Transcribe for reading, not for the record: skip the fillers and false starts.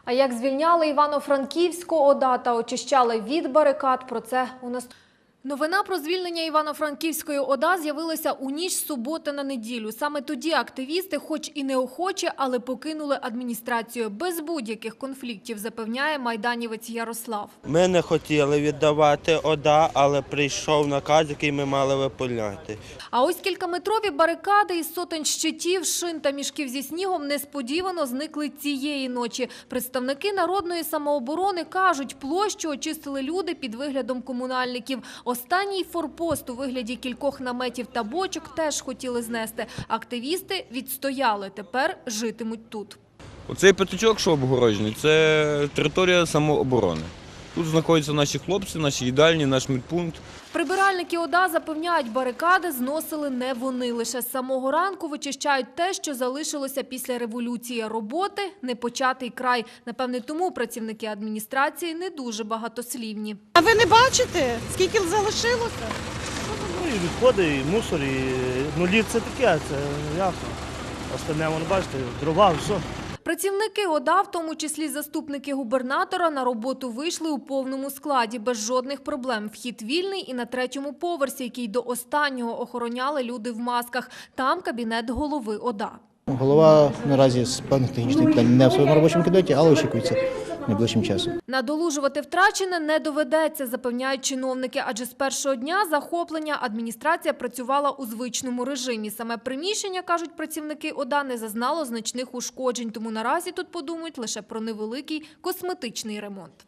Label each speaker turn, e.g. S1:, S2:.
S1: А як звільняли Івано-Франківську ОДА та очищали від барикад, про це у нас. Новина про звільнення Івано-Франківської ОДА з'явилася у ніч з суботи на неділю. Саме тоді активісти, хоч і неохоче, але покинули адміністрацію без будь-яких конфліктів, запевняє майданівець Ярослав.
S2: Ми не хотіли віддавати ОДА, але прийшов наказ, який ми мали виконати.
S1: А ось кількаметрові барикади із сотень щитів, шин та мішків зі снігом несподівано зникли цієї ночі. Представники народної самооборони кажуть, площу очистили люди під виглядом комунальників. Останній форпост у вигляді кількох наметів та бочок теж хотіли знести. Активісти відстояли, тепер житимуть тут.
S3: Оцей п'ятачок, що обгороджений, це територія самооборони. Тут знаходяться наші хлопці, наші їдальні, наш медпункт.
S1: Прибиральники ОДА запевняють, барикади зносили не вони. Лише з самого ранку вичищають те, що залишилося після революції. Роботи – непочатий край. Напевне, тому працівники адміністрації не дуже багатослівні.
S4: А ви не бачите, скільки залишилося?
S5: Ну, і відходи, і мусор, і лід це таке, це ясно. Остальне, воно бачите, дрова, все.
S1: Працівники ОДА, в тому числі заступники губернатора, на роботу вийшли у повному складі, без жодних проблем. Вхід вільний і на 3-му поверсі, який до останнього охороняли люди в масках. Там кабінет голови ОДА.
S6: Голова наразі з певних технічних питань не в своєму робочому кабінеті, але очікується найближчим часом.
S1: Надолужувати втрачене не доведеться, запевняють чиновники, адже з першого дня захоплення адміністрація працювала у звичному режимі. Саме приміщення, кажуть працівники ОДА, не зазнало значних ушкоджень, тому наразі тут подумають лише про невеликий косметичний ремонт.